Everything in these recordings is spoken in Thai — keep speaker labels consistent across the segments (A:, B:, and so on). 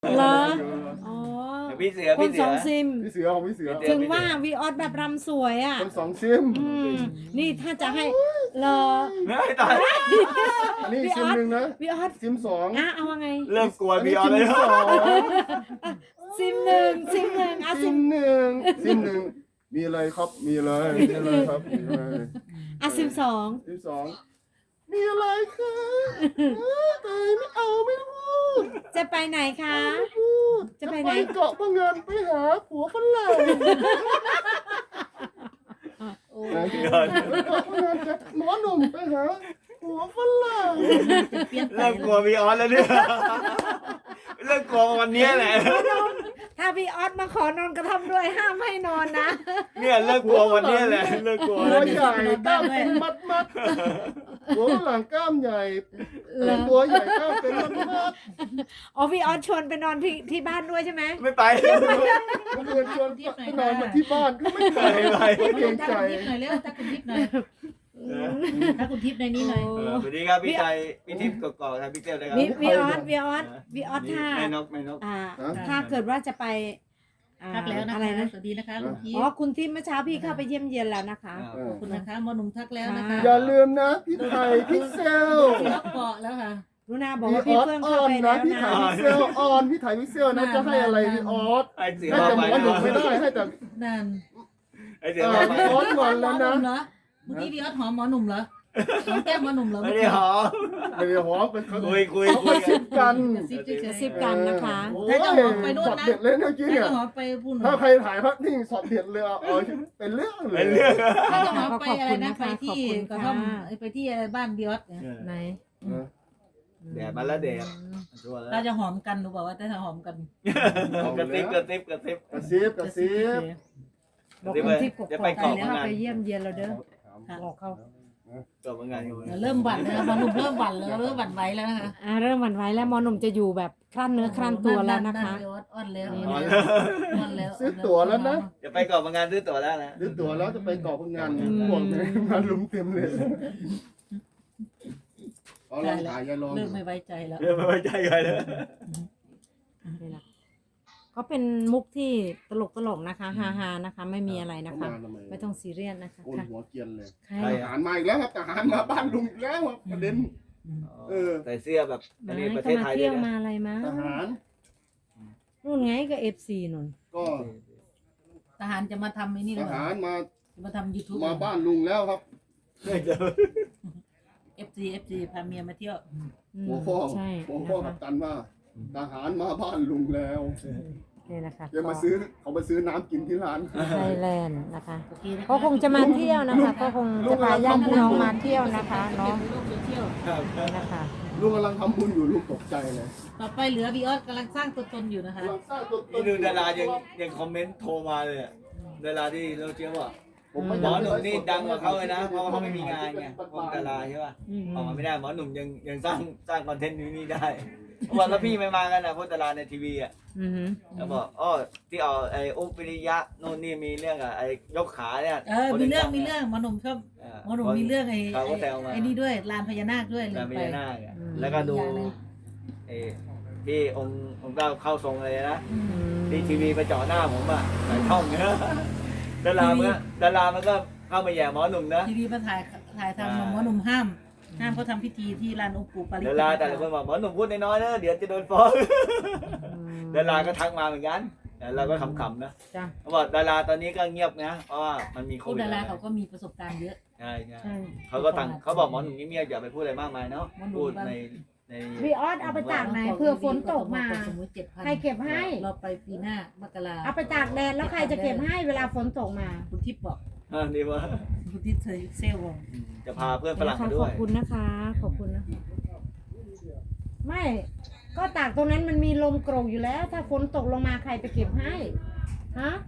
A: เหรออ๋อ
B: พี่เสือ
A: ค
B: พี่
A: น
B: เสื
A: ส
B: อ
A: องซิม
C: พี่เสือของพี่เสือ
A: ถึงว่าวีออสแบบรำสวยอ่ะ
C: คนสองซิม
A: นี่ถ้าจะให้เหรอ
B: ไม่ตาย
C: อันนี้ซิมหนึ่งนะ
A: วีออส
C: ซิมสอง
A: เอาว่าไง
B: เริ่มกลัวพี่ออส
C: ซิ
B: เลย
C: มสอง
A: ซิมหนึ่งซิมหนึ่ง
C: ซิ
A: ซิม
C: มหนึ่งซิมหนึ่งมีอะไรครับมีอะไรมีอะไรครับมีอะไร
A: ซิมสอง
C: ซิมสองมีอะไรคะตายไม่เอาไม่พูด
A: จะไปไหนคะ
C: พูด
A: จะไปไหน
C: เกาะพะงันไปหาผัวฝรั่ง
A: โอ้
C: ไปเกาะพะงันกับหมอหนุ่มไปหาผัวฝรั่ง
B: เริ่มกลัวพี่ออสแล้วเนี่ยเริ่มกลัววันนี้แหละ
A: ถ้าวีออสมาขอนอนกระท่อมด้วยห้ามให้นอนนะ
B: เนี่ยเริ่มกลัววันนี้แหละเริ่มกลัว
C: หั
B: แล้ว ว
C: ใหญ่กล้ามเป็นมัดหัวฝรั่งกล้ามใหญ่
A: เหรอ
C: ตัวใหญ่กล้ามเป็นมัด
A: อ๋อวีออสชวนไปนอนที่บ้านด้วยใช่ไหม
B: ไม่ไป
C: เมื่อคืนชวนไปนอนมาที่บ้านก็ไม่ไป
B: ไม่ไป
C: เกรงใจ
D: ถ้าคุณทิพย์หน่อยถ้าคุณทิพย์ในนี้หน่อย
B: สวัสดีครับพี่ใจพี่ทิพย์กอกๆครับพี่เต้เลยครับ
A: วีออสถ้า
B: ไม่นกไม่นก
A: ถ้าเกิดว่าจะไป
D: พักแล้วนะ
A: อะไร
D: คะ
A: นะ
D: สวัสดีนะคะคุณทิพ
A: อ๋อ
D: ย์
A: คุณทิพย์เมื่อเช้าพี่เข้าไปเยี่ยมเยียนแล้วนะคะ
D: ขอบคุณนะคะหมอหนุ่มทักแล้วนะคะ
C: อย่าลืมนะพี่ไทยพิกเซล
D: ล็อกเกาะแล้วค่ะ
A: รุนาบอก
C: พี่
A: ว่า
C: อ
A: พี่
C: อส
A: เฟื่อง
C: อ
A: เข้า
C: อน
A: ไป
C: นะ
A: แล้ว
C: พี่
A: นะ
C: ไทยพิกเซลออนพี่ไทยพิกเซลนะจะให้อะไรพี่ออส
B: ไอเสือ
C: ให้แต่หม
B: ไป
C: อหนุ่มไม่ได้ให้แต่
D: นั่น
B: ไอเสือไป
C: พี่ออสงอนแล้วนะ
D: เหรอเมื่อกี้พี่ออสหอมหมอหนุ่มเหรอหอมแก้มหมอหนุ่มเหรอ
B: ไม่ได้หอม
C: ไม่ได้หอมเป็นเขา
B: คุย
C: เขาก็ซิบกัน
A: กระซิบกันนะคะ
C: โอ้
D: ถ้าจะหอมไป
C: ย
D: นู่น
C: ช็อต
D: นะ
C: เด็ดเลยเมื่อกี้
D: ถ้า
C: เนี่ย
D: จะหอมไปพูด
C: ถ้าใครถ่ายภาพนิ่งช็อตเด็ดเลยเอาเป็นเรื่องเล
B: เป็
C: ย
B: นเรื่อง
D: ถ้าจะหอมไปอะไรนะ
A: ขอบคุณนะคะ
D: ไปที่
A: ขอบคุณ
D: กระท่อม
A: ค่ะ
D: ไปที่บ้านพี่ออสเนี่ย
A: ไหน
B: แดดมาแล้วแดดชัวร์
D: เรา
B: แล้ว
D: จะหอมกันหรือเปล่าว่าจะหอมกัน
B: กระซิบกระซิบกระซิบ
C: กระซิบกระซิบ
A: บอกคุณทิพย์ก
B: จะ
A: บ
B: ไป
A: อก
B: เกาะ
A: แล้ว
B: พะงัน
A: ไปเยี่ยมเยียนเราเด้อ
D: ค่ะ
A: บอกเขา
B: เกาะพะงันอยู่
D: เริ่มหวั่นแล้วหมอหนุ่มเริ่มหวั่นแล้วเริ่มหวั่นไหวแล้วนะคะ
A: เริ่มหวั่นไหวแล้วมอหนุ่มจะอยู่แบบครั่นเนื้อครั่นตัวแล้วนะคะ
D: อ่อนแล้ว
B: อ๋อ
D: อ่อนแล้ว
C: ซื้อตั๋วแล้วนะ
B: จะไปเกาะพะงันซื้อตั๋วแล้วนะ
C: ซื้อตั๋วแล้วจะไปเกาะพะงันพวกนี้มาลุมเต็มเลยเอาลองถ่ายยายลอง
D: เริ่มไม่ไว้ใจแล้ว
B: เรื่องไม่ไว้ใจใครเลย
A: นี่แหละก็เป็นมุกที่ตลกนะคะฮาๆนะคะ ไม่มีอะไรนะคะ ไม่ต้องซีเรียสนะคะ
C: โอน
A: ค่ะ
C: หัวเกรียนเลย
A: ใคร
C: ทหารมาอีกแล้วครับทหารมาบ้านลุงอีกแล้วครับประเด็น
B: ใส่เสื้อแบบอันนี้
A: ไม่
B: ประ
A: ก็
B: เทศ
A: มา
B: ไทยเล
A: เที่ย
B: ยว นะ
A: มาอะไรมา
C: ทหาร
A: นู่นไงก็เอฟซีนู่น
C: ก็
D: ทหารจะมาทำไอ้นี่ห
C: ท
D: รือเป
C: หา
D: ล่าร
C: มา
D: จะมาทำ YouTube
C: มาบ้านลุงแล้วครับ
D: FC พาเมียมาเที่ยว
C: หัวข้อ
A: ใช่
C: หัว
A: นะ
C: ข้อ
A: คะ
C: กับตันว่าทหารมาบ้านลุงแล้ว
A: นี่นะคะ
C: เดี๋ยวมาซื้อเขามาซื้อน้ำกินที่ร้าน
A: ไทยแลนด์นะคะ
D: โอเคนะคะ
A: ก็คงจะมาเที่ยวนะคะ ก็คงจะพาญาติพี่น้องมาเที่ยวนะคะเนาะ
D: โลกโซเชียล
A: นี่นะคะ
C: ลุงกำลังทำบุญอยู่ลุงตกใจเลย
D: ต่อไปเหลือบีออสกำลังสร้างตัวตนอยู่นะคะ
C: กำลังสร้างตัวต
B: นี่ดูดารายังคอมเมนต์โทรมาเลยอะดาราที่เราเชื่อว่า
C: ผมไม่
B: หมอหนุ่มนี่ดังกว่าเขาเลยนะเพราะว่าเขาไม่มีงานไงพวกดาราใช่ป่ะออกมาไม่ได้หมอหนุ่มยังสร้างคอนเทนต์นี้ได้เขาบอกแล้วพี่ไม่มากันนะพวกดาราในทีวีอ่ะ
A: อือหือ
B: เขาบอกอ๋อที่เอาไอ้อุ๊บวิริยะโน่นนี่มีเรื่องอะไอ้ยกขาเนี่ย
D: มีเรื่องหมอหนุ่มชอบหมอหนุ่มมีเรื่องไอ้
B: เขาก็แซวมา
D: ไอ้นี่ด้วยลานพญานาคด้วยลื
B: แต่
D: ม
B: ไม่
D: ไป
B: ได้หน้าคอะแล้วก็ดูไอ้ที่องค์เจ้าเข้าทรงเลยนะที่ทีวีไปเจาะหน้าผมอ่ะใส่ช่องเนี้ยดารามันก็เข้ามาแย่หมอหนุ่มนะ
D: ทีวีมาถ่ายทำหมอหนุ่มห้ามเขาทำพิธีที่ลานองค์ปู่ปาริจิ
B: ดา
D: ต
B: ราแต่ละคนบอกหมอหนุ่มพูดน้อยๆนะเดี๋ยวจะโดนฟ้องดาราก็ทักมาเหมือนกันแต่เราก็ขำๆนะ
A: จ้ะ
B: เขาบอกดาราตอนนี้ก็เงียบนะเพราะว่ามันมีโค
D: พวก
B: วิด
D: ดาราเขาก็มีประสบการณ์เยอะ
B: ใช่ใช่
A: ใช่
B: เขาก็ตั้งเขาบอกหมอหนุ่มเงียบๆอย่าไปพูดอะไรมากมายเนาะพูดใน
A: วีออสเอาไปตากไหนเผื่อฝนตกมา
D: สมมติ7,000
A: ใครเก็บให้
D: เราไปปีหน้ามกรา
A: เอาไปตากแดดแล้วใครจะเก็บให้เวลาฝนตกมา
D: คุณทิพย์บอก
B: นี่ว่า
D: คุณทิพย์เซลบอก
B: จะพาเพื่อนฝรั่ง
A: ข
B: มาด้
A: อ
B: วย
A: บคุณนะคะ ขอบคุณนะ ไม่ ก็ตากตรงนั้นมันมีลมโกรกอยู่แล้ว ถ้าฝนตกลงมาใครไปเก็บให้ฮะ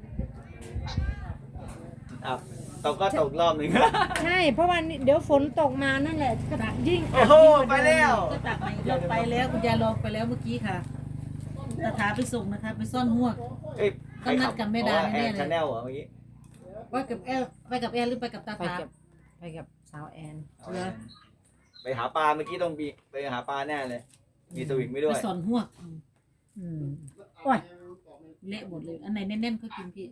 B: อ่ะตกก็ตกรอบหนึ่ง
A: ใช่ เพราะว่าเดี๋ยวฝนตกมานั่นแหละก็ยิ่ง
B: โอ้โหไปแล้ว
D: ก็ตักไปเราไปแล้วคุณยายลองไปแล้วเมื่อกี้ค่ะตาถาไปส่งนะคะ ไปซ่อนหมวก
B: เอ้ย
D: ต้องนัดกับแม่ดาแน่ๆเลย
B: ชาแนลเหรอเมื่อกี้
D: ไปกับแอลหรือไปกับตา
A: ไป
D: ถา
A: กับสาวแอน
B: ไปหาปลาเมื่อกี้ต้องไปหาปลาแน่เลย มีสวิงไม่ด้
D: ไป
B: วย
D: ซ่อนหมวก
A: อืมโอ้ย
D: เละหมดเลย อันไหนแน่นๆก็กินพี่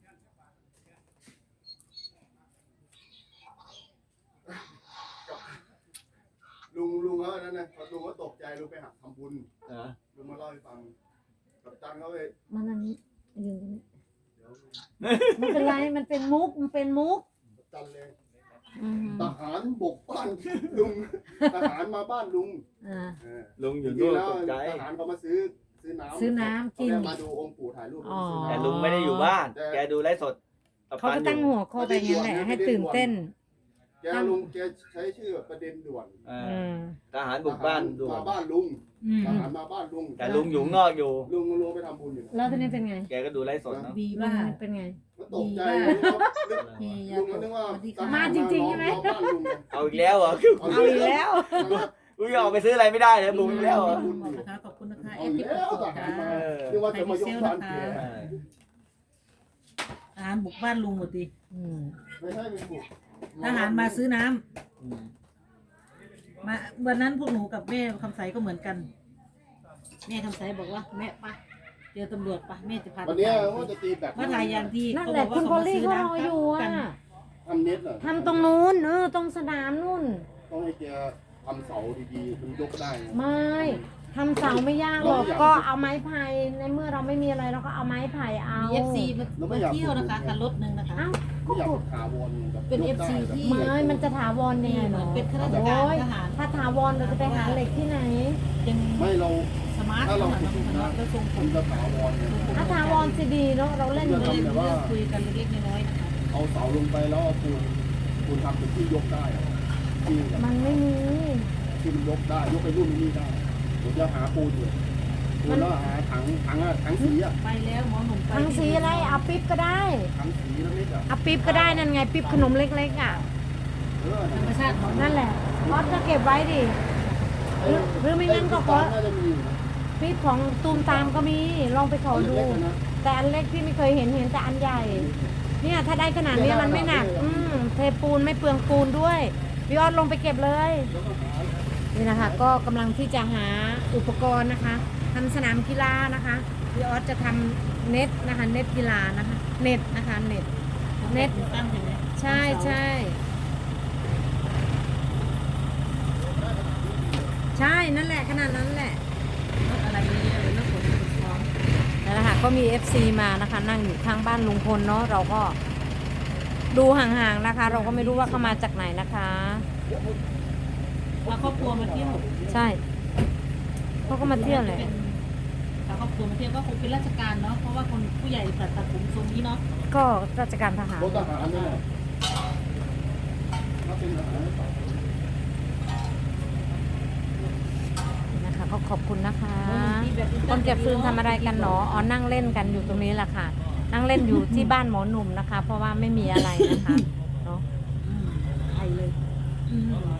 C: ลุงเขาอันนั้นนะลุงก็ตกใจลุงไปหักทำบุญ
B: นะ
C: ลุงมาเล่าให้ฟังกับตันเขาไป
A: มันอันนี้ยืนตรงนี้
C: เดี๋ยว
A: ไม่เป็นไรมันเป็นมุกมันเป็นมุก
C: กับตันเลย
A: อืม
C: ทหารบกบ้านลุงทหารมาบ้านลุง
A: อ่า
B: ลุงอยู่
C: จริ
B: นู่
C: ง
B: น
C: ๆแล้ว
B: ตกใจ
C: ทหารเขามาซื้อน้ำ
A: ซื้อน้ำกิน
C: เขามาดูองค์ปู่ถ่ายรูป
A: อ๋อ
C: ซื้อ
B: แต่
C: น้ำ
B: ลุงไม่ได้อยู่บ้าน แกดูไลฟ์สดกับ
A: เขา
B: ปั
A: ก็
B: นอ
A: ตั้ง
B: ยู่
A: หัวข้อไปงั้นแหละให้ตื่นเต้น
C: ลุงแกใช้ชื่อประเด็นด่วน
B: อ่า
A: อืม
B: ทหารบุกบ้านดู
C: มาบ้านลุง
D: อืม
C: ทหารมาบ้านลุง
B: แต่ลุงอยู่ข้างนอกอยู่
C: ลุงไปทำบุญอยู่
A: แล้วทีนี้เป็นไง
B: แกก็ดูไลฟ์สดเนาะ
D: ดี
A: มั
D: ว่าน
A: เป็นไง
C: ก็ตกใจ
D: เฮีย
C: ลุงก็นึกว่า
A: มาจริงๆใช่ไหม
C: บ้านลุง
B: เอาอีกแล้วเหรอ
A: เอาอีกแล้ว
B: กูยังออกไปซื้ออะไรไม่ได้เลยบุกอีกแล้วเหรอ
D: นะคะขอบคุณนะคะ
C: เอา
D: เอฟ
C: อี
D: ที่
C: ก
D: ป
C: แล้ว
D: ก
C: ท
D: ติ
C: หาร
D: ค่ะ
C: มานึกว่าจะมายกบ้านแก
B: ใช่
D: ทหารบุกบ้านลุงหมดดิ
A: อืม
C: ไม่ใช่เป็นบุก
D: ทหารมาซื้อน้ำ
B: อืม
D: มาวันนั้นพวกหนูกับแม่คำใสก็เหมือนกัน แม่คำใสบอกว่าแม่ปะเจอตำรวจปะแม่จะพาไป
C: วันเนี้ย
D: ถ่าย
C: ว่าจะตีแบบ
D: มาถ่ายอย่างที่
A: นั่น
D: เขา
A: แห
D: บอ
A: ละ
D: ก
A: คุ
D: ว่า
A: ณ
D: เขา
A: โพ
D: มา
A: ลี่
D: ซื้อ
A: เขารออยู่
D: น้ำกั
A: อ่ะ
D: น
C: ทำเน็ตเหรอ
A: ทำตรงนู้นตรงสนามนู่น
C: ต้องให้แกทำเสาดีๆมันยกได้นะ
A: ไม่ทำเสาไม่ยากหรอกก็เอาไม้ไผ่ในเมื่อเราไม่มีอะไรเราก็เอาไม้ไผ่เอา
D: มี FC มาเที่ยวนะคะคันรถหนึ่งนะคะ
A: เอ้า
C: ไม่อยากถาวรแบบ
D: เป็น
C: ยกได้
D: FC ที่
A: ไม่มันจะถาวรยังไง
D: เหมื
A: เนาะ
D: อนเป็นข้าราชการ
A: โอ้ย
D: ทหาร
A: ถ้าถาวรเราจะไปหาเหล็กที่ไหน
D: ยัง
C: ไม่เรา
D: สมาร์ท
C: ถ้าเรา
D: ขนาด
C: คิด
D: นั้น
C: นะ
D: แล้วทรงผ
C: มั
D: ม
C: นจะถาวรเนี่ย
A: ถ้าถาวรจะดีเนาะเราเล่น
D: ก็
A: อยู่
D: เลย
A: เลย
D: เลือกคุยกันเล็กๆน้อยๆนะคะ
C: เอาเสาลงไปแล้วเอาปูนทำเป็นที่ยกได้อะที่แบบ
A: มันไม่มี
C: ที่มันยกได้ยกไปรุ่นนี้ได้ผมจะหาปูนอยู่ปูนแล้วหาถังสีอะ
D: ไปแล้วหมอหนุ่มไป
A: ทั้งสีอะไรเอาปิ๊บก็ได้
C: ถังสีเล็กๆอะ
A: เอาปิ๊บก็ได้นั่นไงปิ๊บขนมเล็กๆอ่ะ
D: ธรรมชาติของ
A: นั่นแหละออสก็เก็บไว้ดิหรือไม่งั้นก็ขอ
C: น่าจะมีอยู่นะ
A: ปิ๊บของตูมตามก็มีลองไปขอดู
C: เล็กๆอะนะ
A: แต่อันเล็กพี่ไม่เคยเห็นแต่อันใหญ่ เนี่ยถ้าได้ขนาดนี้มันไม่หนัก เทปูนไม่เปลืองปูนด้วยพี่ออสลงไปเก็บเลย
C: แล้วก็หา
A: นี่นะคะก็กำลังที่จะหาอุปกรณ์นะคะทำสนามกีฬานะคะพี่ออสจะทำเน็ตนะคะเน็ตกีฬานะคะเน็ตนะคะเน็ต เน็ต
D: ตั้งเห็นไหม
A: ใช่ใช่ใช่นั่นแหละขนาดนั้นแหละ
D: รถอะไรเยอะๆเลยรถขนของ
A: นั่นแหละค่ะก็มี FC มานะคะนั่งอยู่ข้างบ้านลุงพลเนาะเราก็ดูห่างๆนะคะ เราก็ไม่รู้ว่าเขามาจากไหนนะคะ
D: มาครอบครัวมาเที่ยว
A: ใช่เขาก็มาเที่ยวแหละ
D: ถ้าครอบครัวมาเที่ยวก็คงเป็นราชการเนาะเพราะว่าคนผู้ใหญ่ตัดผมทรงนี้เนาะ
A: ก็ราชการทหาร
C: รถทหารนี่แหละถ้าเป็นทหาร
A: นะคะก็ขอบคุณนะคะ คนเก็บฟืนทำอะไรกันหนออ๋อนั่งเล่นกันอยู่ตรงนี้แหละค่ะ นั่งเล่นอยู่ที่บ้านหมอหนุ่มนะคะ เพราะว่าไม่มีอะไรนะคะเนาะ
D: ไปเลย